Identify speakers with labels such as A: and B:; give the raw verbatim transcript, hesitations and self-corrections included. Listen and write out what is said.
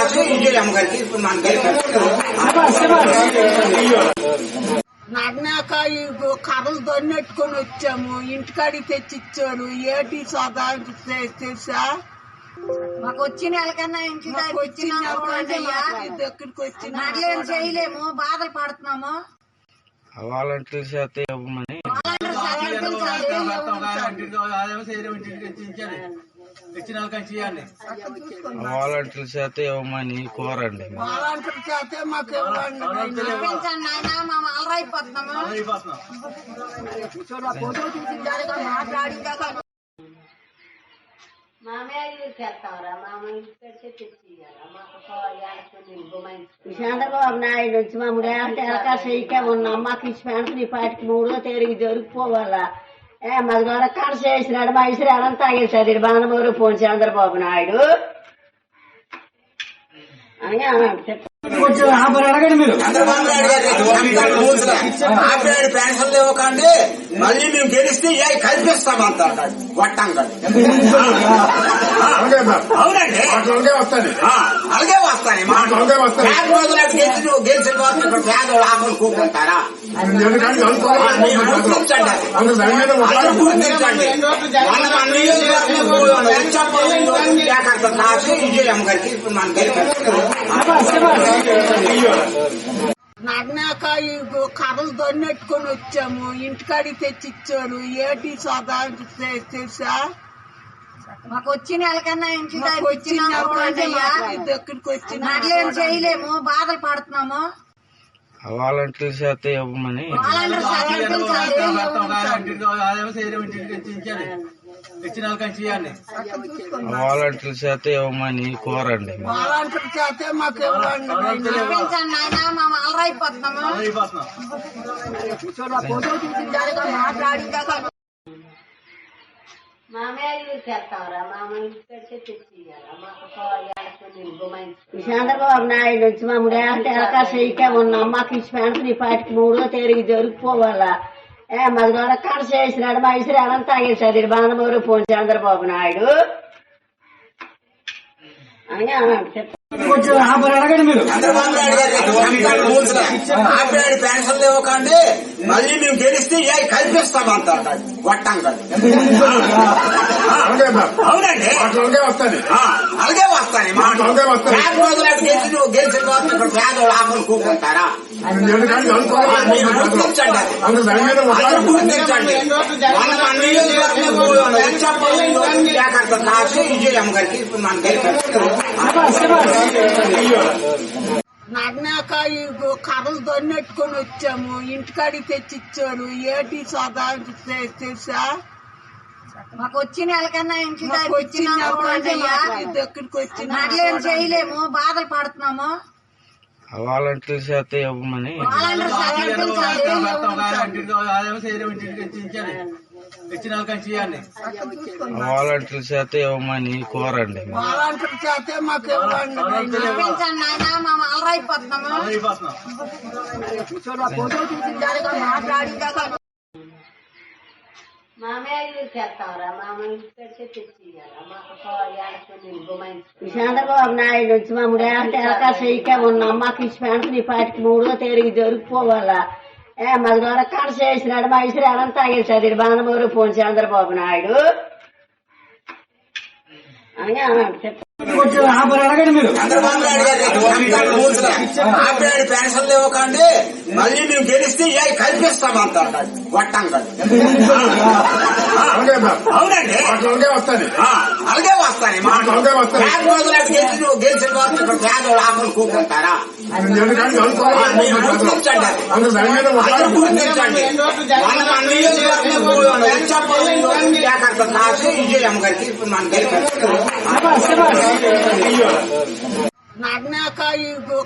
A: కాసి విజయమ్మ గారికి ఇప్పుడు మన
B: నగ్నాక ఈ కర్రలు దొన్నెట్టుకొని వచ్చాము, ఇంటికాడికి తెచ్చిచ్చాడు. ఏటి సదా తెలుసా?
C: మాకు వచ్చిన వాళ్ళకన్నా ఇంటి
B: దగ్గరికి వచ్చి
C: నాట్లేం చేయలేము, బాధలు పడుతున్నాము.
D: వాలంటీర్ శాతం ఇవ్వమని వాలంటీర్ శాతం ఇవ్వమని కోరండి.
B: వాలంటీర్ శాతం మాకు ఇవ్వండి.
C: మా అలరైపోతున్నాము.
E: చంద్రబాబు నాయుడు వచ్చి మమ్మల్ని అంటే అవకాశం ఇకే ఉన్నాం. మాకు ఇచ్చి పెన్షన్ ఈ పాటికి మూడో తేదీకి జరిగిపోవాలా. ఏ మాది కూడా కనస వేసినాడు, మా ఇసురు అనంతా తాగేసాడు బాణమూరు పోను చంద్రబాబు నాయుడు అని
A: చంద్రబాబు నాయుడు గారు ఆపరేడు పెన్షన్లు ఇవ్వకండి, మళ్ళీ మేము గెలిస్తే ఏ కల్పిస్తామంత గొట్టంగా. అవునండి, అలాగే వస్తాయి. పేద రోజులకు గెలిచి నువ్వు గెలిచిన తర్వాత ఇక్కడ పేదలు ఆకులు కూకుంటారా? గుర్తించండి, గుర్తించండి. కాసి విజయమ్మ గారికి ఇప్పుడు మనం
B: నగ్నాక ఈ కర్రలు దొన్నెట్టుకొని వచ్చాము, ఇంటికాడికి తెచ్చిచ్చాడు. ఏటి సదా తెలుసా?
C: మాకు వచ్చిన వాళ్ళకన్నా ఇంటి
B: దగ్గరికి వచ్చి
C: నాట్లేం చేయలేము, బాధలు పడుతున్నాము.
D: వాలంటీర్ శాతం ఇవ్వమని వాలంటీర్ శాతం ఇవ్వమని కోరండి.
B: వాలంటీర్ శాతం మాకు ఇవ్వండి.
C: మా అలరైపోతున్నాము.
E: చంద్రబాబు నాయుడు వచ్చి మమ్మల్ని అంటే అవకాశం ఇకే ఉన్నాం. మాకు ఇచ్చి పెన్షన్ ఈ పాటికి మూడో తేదీకి జరిగిపోవాలా. ఏ మాది కూడా కనస వేసినాడు, మా ఇసురు అనంతా తాగేసాడు బాణమూరు పోను చంద్రబాబు నాయుడు అని
A: చంద్రబాబు నాయుడు గారు ఆపరేడు పెన్షన్లు ఇవ్వకండి, మళ్ళీ మేము గెలిస్తే ఏ కల్పిస్తామంత గొట్టంగా. అవునండి, అలాగే వస్తాయి. పేద రోజులకు గెలిచి నువ్వు గెలిచిన తర్వాత ఇక్కడ పేదలు ఆకులు కూకుంటారా? గుర్తించండి, గుర్తించండి. కాసి విజయమ్మ గారికి ఇప్పుడు మనం
B: నగ్నాక ఈ కర్రలు దొన్నెట్టుకొని వచ్చాము, ఇంటికాడికి తెచ్చిచ్చాడు. ఏటి సదా తెలుసా?
C: మాకు వచ్చిన వాళ్ళకన్నా ఇంటి
B: దగ్గరికి వచ్చి
C: నాట్లేం చేయలేము, బాధలు పడుతున్నాము.
D: వాలంటీర్ శాతం ఇవ్వమని వాలంటీర్ శాతం ఇవ్వమని కోరండి.
B: వాలంటీర్ శాతం మాకు ఇవ్వండి.
C: మా అలరైపోతున్నాము.
E: చంద్రబాబు నాయుడు వచ్చి మమ్మల్ని అంటే అవకాశం ఇకే ఉన్నాం. మాకు ఇచ్చి పెన్షన్ ఈ పాటికి మూడో తేదీకి జరిగిపోవాలా. ఏ మాది కూడా కనస వేసినాడు, మా ఇసురు అనంతా తాగేసాడు బాణమూరు పోను చంద్రబాబు నాయుడు అని
A: చంద్రబాబు నాయుడు గారు ఆపరేడు పెన్షన్లు ఇవ్వకండి, మళ్ళీ మేము గెలిస్తే ఏ కల్పిస్తామంత గొట్టంగా. అవునండి, అలాగే వస్తాయి. పేద రోజులకు గెలిచి నువ్వు గెలిచిన తర్వాత ఇక్కడ పేదలు ఆకులు కూకుంటారా? గుర్తించండి, గుర్తించండి. కాసి విజయమ్మ గారికి ఇప్పుడు మనం
B: నగ్నాక ఈ